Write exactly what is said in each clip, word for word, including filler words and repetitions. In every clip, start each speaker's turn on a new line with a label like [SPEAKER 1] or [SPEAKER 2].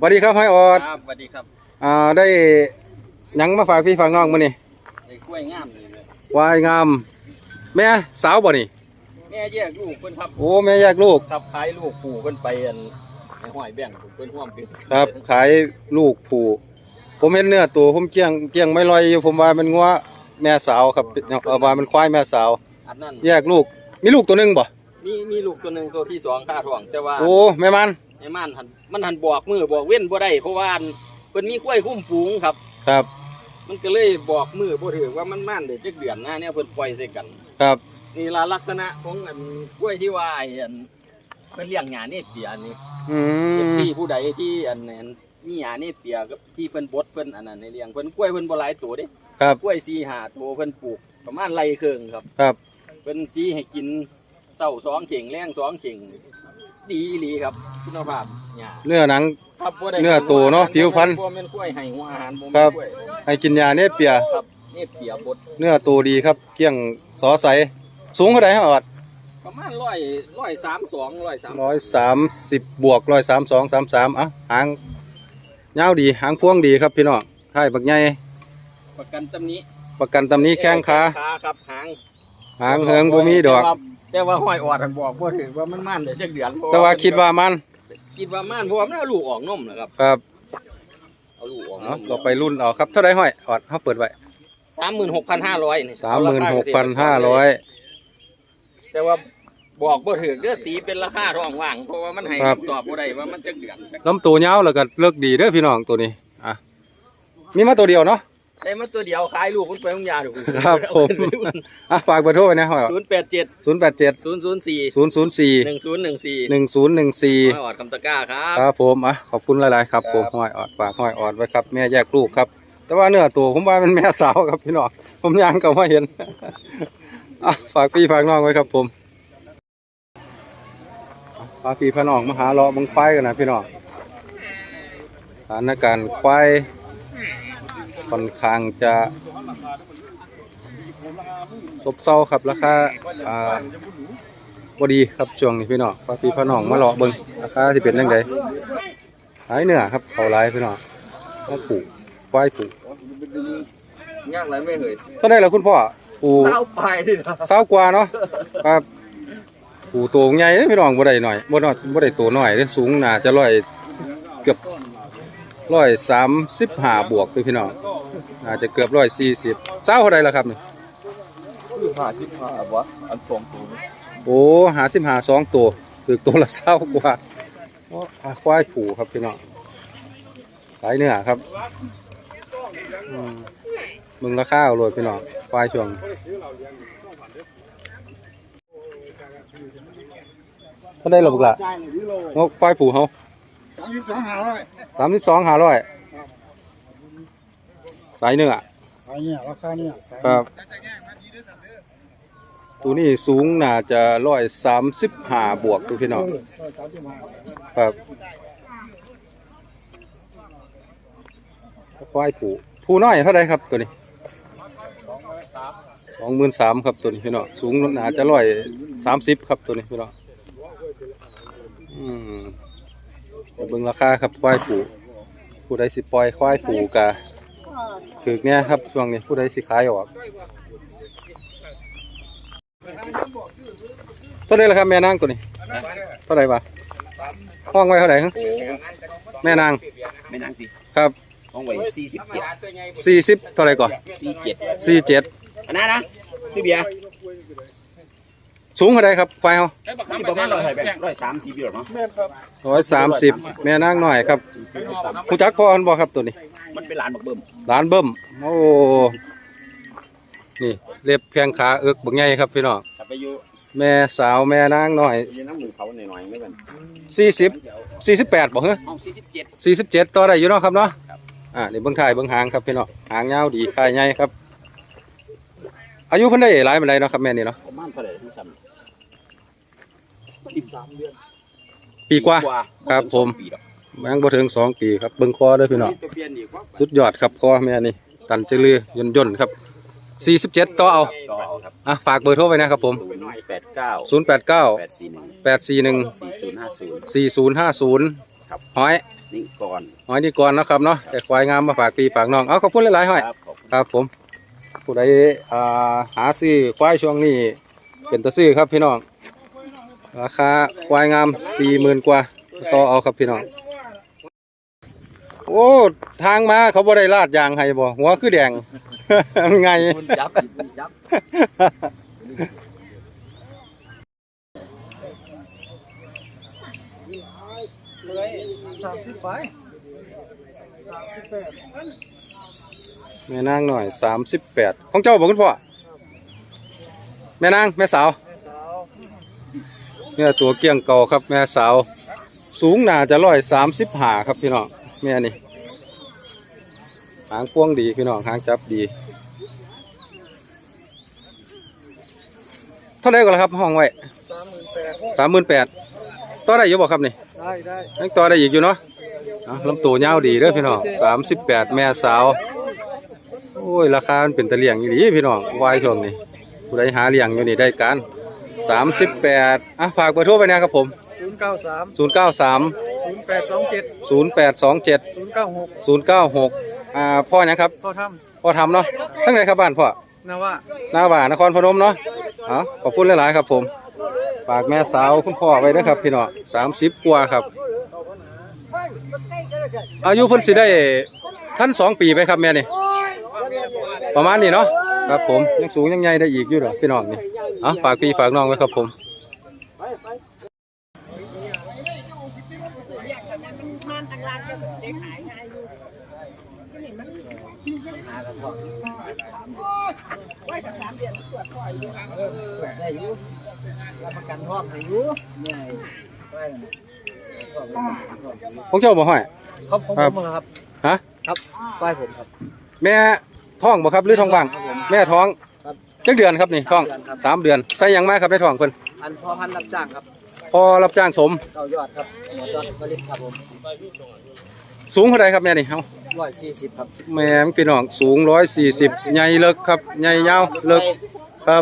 [SPEAKER 1] วัสดีครับห้อยออด
[SPEAKER 2] ครับสวัสดีครับ
[SPEAKER 1] อ่าได้ยังมาฝากพี่ฝากน้องมื้อนี้
[SPEAKER 2] ไอ้กล้วยงามเลยเล
[SPEAKER 1] ยวายงามแม่สาวบ่นี่
[SPEAKER 2] แม่แยกลูกเพิ่นครับ
[SPEAKER 1] โอ้แม่แยกลูก
[SPEAKER 2] ครับขายลูกปู่เพิ่นไปอันในห้อยแบ่งเพิ่นร่วมเป็น
[SPEAKER 1] ครับขายลูกผู้ผมเห็นเนื้อตัวผมเกี้ยงเกี้ยงไม่ลอยอยู่ผมว่ามันงัวแม่สาวครับเอาว่ามันควายแม่สาว
[SPEAKER 2] อันนั้น
[SPEAKER 1] แยกลูกมีลูกตัวนึงบ่
[SPEAKER 2] มีมีลูกตัวนึงตัวที่สองค่าท้องแต่ว่า
[SPEAKER 1] โอ้แม่มัน
[SPEAKER 2] แม่มันหันมันหันบอกมือบอกเว้นบ่ได้เพราะว่าเพิ่นมีกล้วยคุ้มฝูงครับ
[SPEAKER 1] ครับ
[SPEAKER 2] มันก็เลยบอกมือบ่ถือว่ามันมันได้จักเดือนนะเนี่ยเพิ่นปล่อยใส่กัน
[SPEAKER 1] ครับ
[SPEAKER 2] นี่ล่ะลักษณะของอันกล้วยที่ว่าไอ้อันเพิ่นเลี้ยงหญ้านี่เปียนี่
[SPEAKER 1] อืม
[SPEAKER 2] ที่ผู้ใดที่อันนั้นมีหญ้านี่เปียกับที่เพิ่นบดเพิ่นอันนั้นในเลี้ยงเพิ่นกล้วยเพิ่นบ่หลายตัวเด้
[SPEAKER 1] ครับ
[SPEAKER 2] กล้วยสี่ห้าตัวเพิ่นปลูกประมาณไร่ครึ่งครับ
[SPEAKER 1] ครับ
[SPEAKER 2] เพิ่นสีให้กินเช้าสองเข่งแรงสองเข่งดีอีหลีครับคุณภาพหญ้า
[SPEAKER 1] เนื้อหนัง
[SPEAKER 2] ครับบ่ได้
[SPEAKER 1] เนื้อตัวเนาะผิวพรรณ
[SPEAKER 2] บ่แม่นกล้วยให้หัวอาหารบ่
[SPEAKER 1] ค
[SPEAKER 2] แม่
[SPEAKER 1] รั
[SPEAKER 2] น
[SPEAKER 1] บ
[SPEAKER 2] กล้วย
[SPEAKER 1] ให้กินยาเนี่ยเปีย
[SPEAKER 2] ครับนี่เปียบด
[SPEAKER 1] เนื้อตัวดีครับเกี้ยงสอใสสูงเท่าไหร่ฮะออด
[SPEAKER 2] ประมาณร้อยร้อยสามสองร้อยสาม
[SPEAKER 1] ร้อยสามสิบบวกร้อยสามสองสามสามอ่ะหางยาวดีหางพวงดีครับพี่น้องไข่บักใหญ่
[SPEAKER 2] ประกันตำนี้
[SPEAKER 1] ประกันตำนี้แข้งขา
[SPEAKER 2] ครับหาง
[SPEAKER 1] หางเหิงบ่มีดอก
[SPEAKER 2] แต่ว่าห้อยออดท่านบอกบ่ถือว่ามันมันเดี๋ยวจักเดือน
[SPEAKER 1] แต่ว่าคิดว่ามัน
[SPEAKER 2] คิดว่ามันเพราะว่ามันเอาลูกออกนมนะครับ
[SPEAKER 1] ครับ
[SPEAKER 2] เอาลูกออกนม
[SPEAKER 1] ก็ไปรุ่นเอาครับเท่าไรห้อยออดเขาเปิดไว้
[SPEAKER 2] สามหมื่นหกพันห้าร้อยนี่
[SPEAKER 1] สามหมื่นหกพันห้าร้อย
[SPEAKER 2] แต่ว่าบอกบ่ถือเด้อตีเป็นราคาท้องว่างเพราะว่ามันให้ตอบบ่ได้ว่ามันจักเดือน
[SPEAKER 1] ลำตัวยาวแล้วก็เลิกดีเด้อพี่น้องตัวนี้อ่ะมีมาตัวเดียวเนาะ
[SPEAKER 2] ได้มาตัวเดียวขายลูกคุณไปคุณยาถูก
[SPEAKER 1] ครับผมอ่ะฝากเบอร์โทรไว้นะ
[SPEAKER 2] ศูนย์แปดเจ็ด
[SPEAKER 1] ศูนย์แปดเจ็ด
[SPEAKER 2] ศูนย์ศูนย์สี่
[SPEAKER 1] ศูนย์ศูนย์สี่
[SPEAKER 2] หนึ่งศูนย์หนึ่งสี่
[SPEAKER 1] หนึ่งศูนย์หนึ่งสี่
[SPEAKER 2] ห้อยออดคำตะก้าครับ
[SPEAKER 1] ครับผมอ่ะขอบคุณหลายๆครับผมห้อยออดฝากห้อยออดไว้ครับแม่แยกลูกครับแต่ว่าเนื้อตัวผมว่าเป็นแม่สาวครับพี่น้องผมยังก็ไม่เห็นอ่ะฝากพี่ฝากน้องไว้ครับผมพาพี่พาน้องมาหาเลาะบังควายกันนะพี่น้องสถานการณ์ควายค่อนข้างจะซบเซาครับราคาอ่าบ่ดีครับช่วงนี้พี่น้องพาพี่พาน้องมาเลาะเบิ่งราคาสิเป็นยังไงหลายเนื้อครับเขาหลายพี่น้องมาปลูกควายปลูก
[SPEAKER 2] ยากไรไม่เหย
[SPEAKER 1] เท่าไหร่ล่ะคุณพ่อปลูก
[SPEAKER 2] เศร้าไปดินะ
[SPEAKER 1] เศร้ากว่าเนาะครับปลูกตัวใหญ่พี่น้องบ่ได้หน่อยบ่น้อยบ่ได้ตัวน้อยเด้สูงน่าจะร้อยเกือบร้อยสามสิบห้าบวกพี่น้องอาจจะเกือบร้อยสี่สิบเศร้าเท่าไรล่ะครับนี่
[SPEAKER 2] ซื้อห้าสิบห้าวะอันสองตัว
[SPEAKER 1] โอ้หาสิบห้าสองตัวถือตัวละเศร้ากว่าควายผูครับพี่น้องสายเนื้อครับมึงราคาเอาเลยพี่น้องควายช่วงเขาได้หรอบุกละงกควายผูเขาสามสิบสองหาร้อยสามสิบสองหาร้อยสายเนื้อ
[SPEAKER 3] สายเนื้อราคาเนื้อ
[SPEAKER 1] ครับตัวนี้สูงน่าจะร้อยสามสิบห้าบวกตัวพี่น้องครับควายผูผูน้อยเท่าไรครับตัวนี้สองหมื่นสามครับตัวนี้พี่น้องสูงน่าจะร้อยสามสิบครับตัวนี้พี่น้องอืมเบิ่งราคาครับควายผูผู้ใดสิปล่อยควายผูกะถึกเนี่ยครับช่วงนี้ผู้ใดสิขายออกเท่าไรล่ะครับแม่นางตัวนี้เท่าไรวะห้องไว้เท่าไหร่ครับแม่นาง
[SPEAKER 2] แม่นางสิ
[SPEAKER 1] ครับ
[SPEAKER 2] ห้องไว้สี่สิบเจ็ด
[SPEAKER 1] สี่สิบเท่าไรก่อน
[SPEAKER 2] สี่เจ็ด
[SPEAKER 1] สี่เจ็ด
[SPEAKER 2] อันนั้นนะซื้อเบียร์
[SPEAKER 1] สูงเท่าไรครับควายเขา
[SPEAKER 2] ประมาณร้อยร้อยสามสิบเยอะเนาะ
[SPEAKER 1] ร้อยสามสิบแม่นางหน่อยครับผู้จักพ่อคนบอกครับตัวนี้
[SPEAKER 2] มันเป็นหลานบักเบิ่ม
[SPEAKER 1] หลานเบิ่มโอ้นี่เล็บแข้งขาเอิกบักใหญ่ครับพี่น้องแม่สาวแม่นางหน่อยสี่สิบสี่สิบแปดบอกเหรอ
[SPEAKER 2] สี่สิบเจ็ด
[SPEAKER 1] สี่สิบเจ็ดต่อได้อยู่เนาะครับเนาะอ่านี่เบิ้งถ่ายเบิ้งหางครับพี่น้องหางยาวดีถ่ายใหญ่ครับอายุเพิ่นได้หลายปานใดเนาะครับแม่นี่เนาะ
[SPEAKER 2] ประมาณเท่าไหร่ที่ซ้ำสิบสามเดือน
[SPEAKER 1] ปีกว่าครับผมยังบ่ถึงสองปีครับเบิ้งคอเด้อพี่น้องสุดยอดครับคอแม่นี่ตันเจริญย่นย่นครับสี่สิบเจ็ดต่อเอาอ่ะฝากเบอร์โทรไว้นะครับผม
[SPEAKER 2] ศูนย์แปดเก้า
[SPEAKER 1] ศูนย์แปดเก้า
[SPEAKER 2] แปดสี่หนึ่ง
[SPEAKER 1] แปดสี่หนึ่ง
[SPEAKER 2] สี่ศูนย์ห้าศูนย์
[SPEAKER 1] สี่ศูนย์ห้าศูนย์หอย
[SPEAKER 2] นี่ก่อน
[SPEAKER 1] อ๋อนี่ก่อนนะครับเนาะแต่ควายงามมาฝากพี่ฝากน้องเอาขอบคุณหลายๆห้อย
[SPEAKER 2] ครับขอบคุณ
[SPEAKER 1] ครับผมผู้ใดอ่าหาซื้อควายช่วงนี้เป็นตะซื้อครับพี่น้องราคาควายงามสี่หมื่นกว่าต่อเอาครับพี่น้องโอ้ทางมาเขาบ่ได้ลาดยางให้บ่หัวคือแดง มันไง
[SPEAKER 2] คุณจับคุณจับ
[SPEAKER 1] แม่นางหน่อยสามสิบแปดของเจ้าบอกคุณพ่อแม่นางแม่สาวเนี่ยตัวเกี้ยงเก่าครับแม่สาวสูงน่าจะร้อยสามสิบห้าครับพี่น้องแม่นี่หางพวงดีพี่น้องหางจับดีเท่าไหร่ก็แล้วครับห้องไว้สามหมื่นแปดต่อได้อยู่บ่ครับนี่ได้ได้ยังต่อได้อีกอยู่เนาะอ่ะลำตัวยาวดีเด้อพี่น้องสามสิบแปดแม่สาวโอ้ยราคามันเป็นตะเลียงอยู่ดีพี่น้องวายช่วงนี้ผู้ใดหาเลี้ยงอยู่นี่ได้การสามสิบแปดอ่ะฝากเบอร์โทรไปนะครับผม
[SPEAKER 3] ศูนย์เก้าสาม
[SPEAKER 1] ศูนย์เก้าสาม
[SPEAKER 3] ศูนย์แปดสองเจ็ด
[SPEAKER 1] ศูนย์แปดสองเจ็ด
[SPEAKER 3] ศูนย์เก้าหก
[SPEAKER 1] ศูนย์เก้าหกอ่าพ่อหยังครับ
[SPEAKER 3] พ่อท
[SPEAKER 1] พ่อทำเนาะทั้งไหนครับบ้านพ่อ
[SPEAKER 3] ำนะว่า
[SPEAKER 1] หน้าบ่านครพนมเนาะอ๋อขอบคุณหลายๆครับผมฝากแม่สาวคุณพ่อไว้ด้วยครับพี่น้องสามสิบกว่าครับอายุเพิ่นสิได้ท่านสองปีไปครับแม่นี่ประมาณนี้เนาะครับผมยังสูงยังใหญ่ได้อีกอยู่เหรอพี่น้องนี่อ๋อฝากพี่ฝากน้องไว้ครับผมของเจ้าบ่ห้อย
[SPEAKER 3] ครับผมผมครับ
[SPEAKER 1] ฮะ
[SPEAKER 3] ครับป้ายผมครับ
[SPEAKER 1] แม่ท้องบ่ครับหรือท้องว่างแม่ท้อง
[SPEAKER 3] ครับ
[SPEAKER 1] จักเดือนครับนี่ท้อง
[SPEAKER 3] เดือนครับ
[SPEAKER 1] สามเดือนใส่หยังมาครับในท้องเพิ่น
[SPEAKER 3] อันพ่อพันธุ์รับจ้างครับ
[SPEAKER 1] พอรับจ้างสม
[SPEAKER 3] เก้ายอดครับหมดยอดผลิตครับผม
[SPEAKER 1] สูงเท่าไรครับแม่นี่เฮา
[SPEAKER 3] ร้อยสี่สิบครับ
[SPEAKER 1] แม่พี่น้องสูงร้อยสี่สิบใหญ่เลิกครับใหญ่ยาวเลิกครับ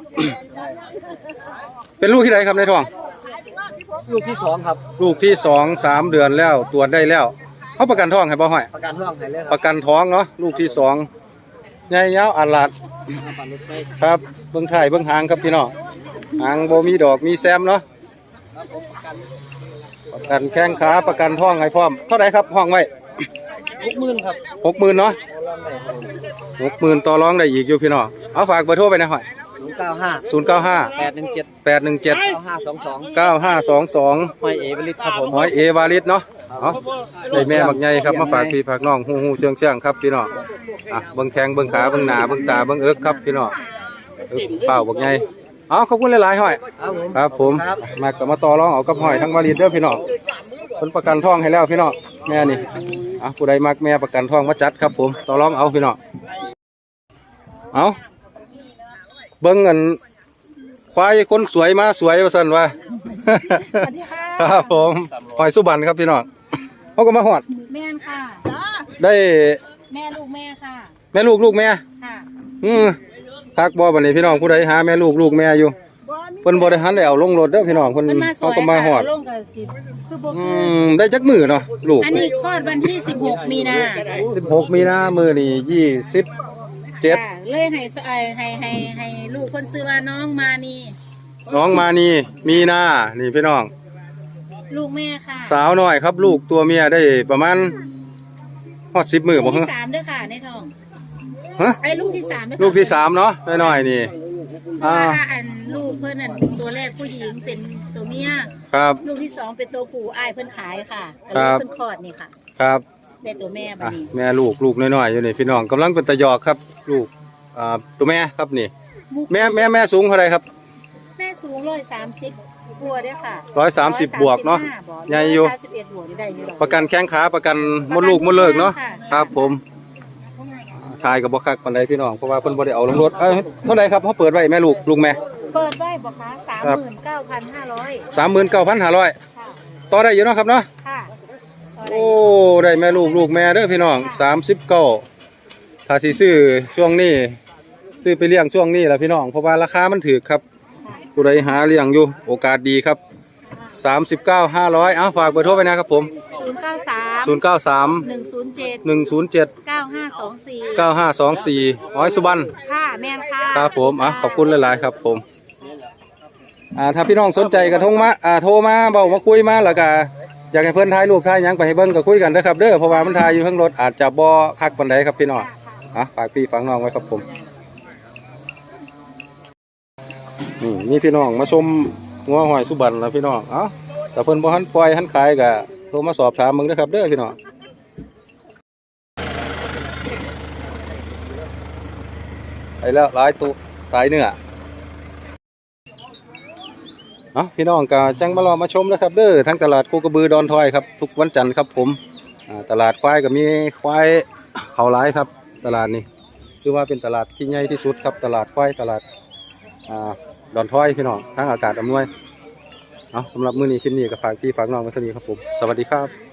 [SPEAKER 1] เป็นลูกที่ไหนครับในท้อง
[SPEAKER 3] ลูกที่สองครับ
[SPEAKER 1] ลูกที่สองสามเดือนแล้วตรวจได้แล้วเขาประกันท้องให้บ่ห้อย
[SPEAKER 3] ประกันท้องให้เลยค
[SPEAKER 1] ป
[SPEAKER 3] รับ
[SPEAKER 1] ระกันท้องเนาะลูกที่สองใหญ่ยาวอัลลาด
[SPEAKER 3] ปันรถไฟ
[SPEAKER 1] ครับเบื้องท้ายเบื้องหางครับพี่น้องหางบ่มีดอกมีแซมเนาะ
[SPEAKER 3] ครับผมประกัน
[SPEAKER 1] ประกันแข้งขาประกันท้องให้พร้อมเท่าไหร่ครับห้องไว้
[SPEAKER 3] หกหมื่นครับ
[SPEAKER 1] หกหมื่นเนาะ
[SPEAKER 3] เอาล่างไหนครับผม
[SPEAKER 1] หกหมื่นต่อรองได้อีกอยู่พี่น้องเอาฝากเบอร์โทรไปนะห้อย
[SPEAKER 3] ศูนย์เก้าห้า
[SPEAKER 1] ศูนย์เก้าห้า
[SPEAKER 3] แปดหนึ่งเจ็ด
[SPEAKER 1] แปดหนึ่งเจ็ด
[SPEAKER 3] เก้าห้าสองสอง
[SPEAKER 1] เก้าห้าสองสอง
[SPEAKER 3] ห้อยเอผลิตครับผม
[SPEAKER 1] หอยเอวาลิสเนาะเอาได้แม่บักใหญ่ครับมาฝากพี่ฝากน้องฮู้ฮู้เชียงเชียงครับพี่น้องอ่ะเบิ่งแข้งเบิ่งขาเบิ่งหน้าเบิ่งตาเบิ่งเอิกครับพี่น้องเอิกเป้าบักใหญ่เอาขอบคุณหลายๆห้อย
[SPEAKER 3] ครับผม
[SPEAKER 1] ครับผมมากับมาต่อรองเอากับห้อยทั้งวาลิสเด้อพี่น้องเพิ่นประกันท้องให้แล้วพี่น้องแม่นี่อ่ะผู้ใดมักแม่ประกันท้องมาจัดครับผมต่อรองเอาพี่น้องเอาเบิ่งกันควายคนสวยมาสวยว่าซั่นว่า ครับผมหอยสุบันครับพี่น้องเขาก็มาหอด
[SPEAKER 4] แม่นค่ะ
[SPEAKER 1] ได้
[SPEAKER 4] แม่ลูกแม่ค่ะ
[SPEAKER 1] แม่ลูกลูกแม่
[SPEAKER 4] ค่ะ
[SPEAKER 1] อือทักบ่บัดนี้พี่น้องผู้ใดหาแม่ลูกลูกแม่อยู่เพิ่นบ่ได้หันได้เอาลงรถเด้อพี่น้องเพิ่น
[SPEAKER 4] มันมาส
[SPEAKER 1] เขา
[SPEAKER 4] วย
[SPEAKER 1] ก็มาหอด
[SPEAKER 4] ค่ะลงกับสิบคือบ่
[SPEAKER 1] อื
[SPEAKER 4] เกิน
[SPEAKER 1] มได้จักมือเนาะลูก
[SPEAKER 4] อันนี้คลอดวันที่สิบหกมีนา
[SPEAKER 1] สิบหกมีนามื้อนี้ยี่สิบเจ็ด
[SPEAKER 4] ค่ะเลยให้สให้ให้ให้ให้ลูกคนซื้อว่าน้องมานี่
[SPEAKER 1] น้องมานี่มีนานี่พี่น้อง
[SPEAKER 4] ลูกแม่ค่ะ
[SPEAKER 1] สาวน้อยครับลูกตัวเมียได้ประมาณฮอดสิบมื้อ
[SPEAKER 4] ลู
[SPEAKER 1] บ่
[SPEAKER 4] ก
[SPEAKER 1] ฮะ
[SPEAKER 4] ที่สามเด้อค่ะในท้อง
[SPEAKER 1] ฮะ
[SPEAKER 4] ไอ้ลูกที่สามเด้อค่ะ
[SPEAKER 1] ลูกที่สามเนาะน้อยๆนี่
[SPEAKER 4] เพราะ
[SPEAKER 1] อ่า
[SPEAKER 4] ว่าอันลูกเพิ่นนั่นตัวแรกผู้หญิงเป็นตัวเมีย
[SPEAKER 1] ครับ
[SPEAKER 4] ลูกที่สองเป็นตัวผู้อ้ายเพิ่นขายค่ะก็
[SPEAKER 1] ค
[SPEAKER 4] เล
[SPEAKER 1] รั
[SPEAKER 4] ย
[SPEAKER 1] บ
[SPEAKER 4] เพิ่นคลอดนี่ค่ะ
[SPEAKER 1] ครับ
[SPEAKER 4] ได้ตัวแม่บัด
[SPEAKER 1] อ่ะ
[SPEAKER 4] นี้
[SPEAKER 1] แม่ลูกลูกน้อยๆอยู่นี่พี่น้องกำลังเป็นตะยอกครับ ลูกอ่าตัวแม่ครับนี่ แม่แม่แม่สูงเท่าไรครับ
[SPEAKER 4] แม่สูงร้อยสามสิบบัวเด้อค่ะ
[SPEAKER 1] ร้อยสามสิบบวกเนาะใหญ่อยู่
[SPEAKER 4] สามสิบเอ็ดบวกนี่ได้อยู่ดอก
[SPEAKER 1] ประกันแข้งขาประกันมดลูกมดเลิกเนาะ
[SPEAKER 4] ค่ะ
[SPEAKER 1] ครับผมทายกับบ่คักปานใดพี่น้องเพราะว่าเพิ่นบ่ได้เอาลงรถเอ้ยเท่าไรครับเขาเปิดไว้แม่ลูกลูกแม่
[SPEAKER 4] เปิดไว้บอกคะสามหมื่นเก้าพันห้าร้อย
[SPEAKER 1] สามหมื่นเก้าพันห้าร้อย
[SPEAKER 4] ค่ะ
[SPEAKER 1] ต่อได้อยู่เนาะครับเนาะ
[SPEAKER 4] ค่ะต่อได้
[SPEAKER 1] โอ้ได้แม่ลูกลูกแม่เด้อพี่น้องสามสิบเก้าถ้าสิซื้อช่วงนี้ซื้อไปเลี้ยงช่วงนี้ล่ะพี่น้องเพราะว่าราคามันถูกครับผู้ใดหาเลี้ยงอยู่โอกาสดีครับสามสิบเก้า ห้าร้อยอ้าวฝากเบอร์โทรไปนะครับผม
[SPEAKER 4] ศูนย์ย์เก้าสาม
[SPEAKER 1] ศูนย์เก้าสาม
[SPEAKER 4] หนึ่งศูนย์เจ็ด
[SPEAKER 1] หนึ่งศูนย์เจ็ด
[SPEAKER 4] เก้าห้าสองสี่
[SPEAKER 1] เก้าห้าสองสี่อ้อยสุบรรณ
[SPEAKER 4] ค่ะแม่นค่ะ
[SPEAKER 1] ครับผมอ่ะขอบคุณหลายๆครับผมอ่าถ้าพี่น้องสนใจกระทงมาอ่าโทรมาเบามาคุยมาแล้วก็อยากให้เพื่อนถ่ายรูปถ่ายหยังไปให้เบิ่งก็คุยกันนะครับเด้อเพราะว่ามันถ่ายอยู่ข้างรถอาจจะบ่คักปานใดครับพี่น้องอ่ะฝากพี่ฝากน้องไว้ครับผมนี่มีพี่น้องมาชมงัวหอยสุบรรณแล้วพี่น้องเอ้าถ้าเพิ่นบ่ทันปล่อยทันขายก็โทรมาสอบถามมึงเด้อครับเด้อพี่น้องไปแล้วหลายตัวสายเนื้อเนาะพี่น้องก็จังมารอมาชมนะครับเด้อทั้งตลาดโคกระบือดอนทอยครับทุกวันจันทร์ครับผมอ่าตลาดควายก็มีควายเขาหลายครับตลาดนี้คือว่าเป็นตลาดที่ใหญ่ที่สุดครับตลาดควายตลาดอ่าดอนทอยพี่น้องทั้งอากาศอำนวยเอาสำหรับมื้อนี้คลิปนี้ก็ฝากพี่ฝากน้องไว้เท่านี้ครับผมสวัสดีครับ